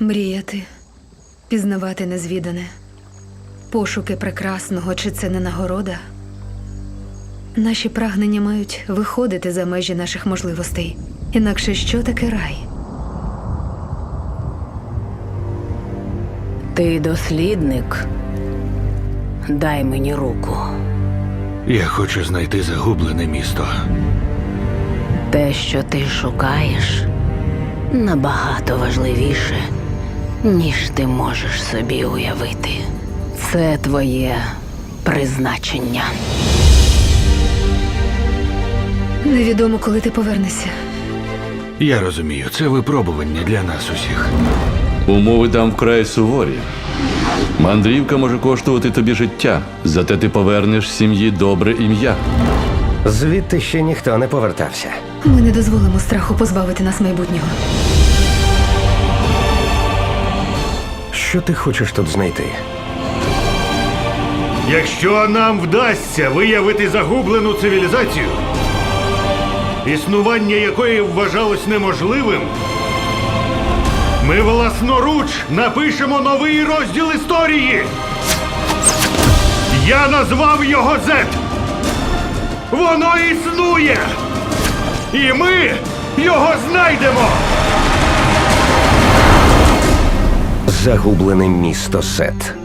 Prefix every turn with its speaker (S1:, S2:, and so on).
S1: Мріяти, пізнавати незвідане, пошуки прекрасного, чи це не нагорода? Наші прагнення мають виходити за межі наших можливостей. Інакше що таке рай?
S2: Ти дослідник. Дай мені руку.
S3: Я хочу знайти загублене місто.
S2: Те, що ти шукаєш, набагато важливіше, ніж ти можеш собі уявити. Це твоє призначення.
S1: Невідомо, коли ти повернешся.
S3: Я розумію, це випробування для нас усіх.
S4: Умови там вкрай суворі. Мандрівка може коштувати тобі життя, зате ти повернеш сім'ї добре ім'я.
S5: Звідти ще ніхто не повертався.
S1: Ми не дозволимо страху позбавити нас майбутнього.
S5: Що ти хочеш тут знайти?
S6: Якщо нам вдасться виявити загублену цивілізацію, існування якої вважалось неможливим, ми власноруч напишемо новий розділ історії. Я назвав його Z. Воно існує! І ми його знайдемо!
S5: Загублене місто Сет.